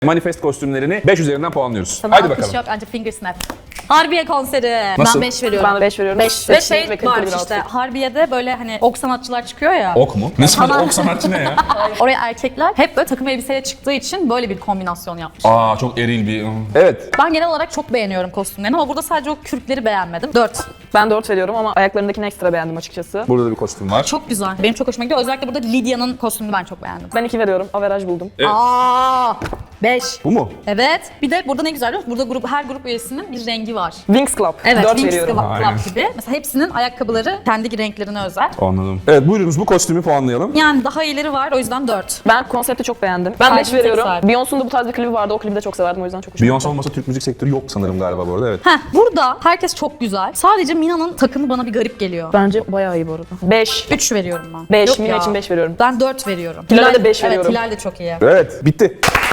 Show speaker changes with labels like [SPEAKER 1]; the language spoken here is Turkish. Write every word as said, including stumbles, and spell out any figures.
[SPEAKER 1] Manifest kostümlerini beş üzerinden puanlıyoruz.
[SPEAKER 2] Sana
[SPEAKER 1] Haydi
[SPEAKER 2] alkış
[SPEAKER 1] bakalım.
[SPEAKER 2] yok ancak finger snap. Harbiye konseri.
[SPEAKER 1] Nasıl?
[SPEAKER 2] Ben beş veriyorum.
[SPEAKER 3] Ben de beş veriyorum.
[SPEAKER 2] beş. Ve şey
[SPEAKER 3] Ve
[SPEAKER 2] var
[SPEAKER 3] kaliteli bir
[SPEAKER 2] işte
[SPEAKER 3] outfit.
[SPEAKER 2] Harbiye'de böyle hani ok sanatçılar çıkıyor ya.
[SPEAKER 1] Ok mu? Ne sanat,
[SPEAKER 2] Sana-
[SPEAKER 1] ok sanatçı ne ya?
[SPEAKER 2] Oraya erkekler hep böyle takım elbiseyle çıktığı için böyle bir kombinasyon yapmış.
[SPEAKER 1] Aa çok eril bir... Evet.
[SPEAKER 2] Ben genel olarak çok beğeniyorum kostümlerini ama burada sadece o kürkleri beğenmedim. dört.
[SPEAKER 3] Ben dört veriyorum ama ayaklarındakini ekstra beğendim açıkçası.
[SPEAKER 1] Burada da bir kostüm var.
[SPEAKER 2] Çok güzel. Benim çok hoşuma gidiyor. Özellikle burada Lidya'nın kostümünü ben çok beğendim.
[SPEAKER 3] Ben iki veriyorum. Averaj buldum.
[SPEAKER 1] Evet.
[SPEAKER 2] Aa, beş.
[SPEAKER 1] Bu mu?
[SPEAKER 2] Evet. Bir de burada ne güzel biliyor musun? Burada grup, her grup üyesinin bir rengi var.
[SPEAKER 3] Wings Club.
[SPEAKER 2] Evet,
[SPEAKER 3] dört
[SPEAKER 2] Wings
[SPEAKER 3] veriyorum.
[SPEAKER 2] Club
[SPEAKER 1] Aynen.
[SPEAKER 2] gibi. Mesela hepsinin ayakkabıları kendi renklerine özel.
[SPEAKER 1] Anladım. Evet buyurunuz bu kostümü puanlayalım.
[SPEAKER 2] Yani daha iyileri var o yüzden dört.
[SPEAKER 3] Ben konsepti çok beğendim. Ben beş
[SPEAKER 2] Kalbim
[SPEAKER 3] veriyorum.
[SPEAKER 2] tek sahibi.
[SPEAKER 3] Beyoncé'nun da bu tarz bir klibi vardı. O klibi de çok severdim. O yüzden çok hoşuma
[SPEAKER 1] Beyoncé olmasa Türk müzik sektörü yok sanırım galiba bu arada. Evet.
[SPEAKER 2] Heh, burada herkes çok güzel. Sadece Mina'nın takımı bana bir garip geliyor.
[SPEAKER 3] Bence bayağı iyi bu arada. beş.
[SPEAKER 2] üç veriyorum ben.
[SPEAKER 3] beş.
[SPEAKER 2] Yok
[SPEAKER 3] Mina
[SPEAKER 2] ya.
[SPEAKER 3] için beş veriyorum.
[SPEAKER 2] Ben dört veriyorum.
[SPEAKER 3] Hilal'e de beş veriyorum.
[SPEAKER 2] Evet, Hilal de çok iyi.
[SPEAKER 1] Evet bitti.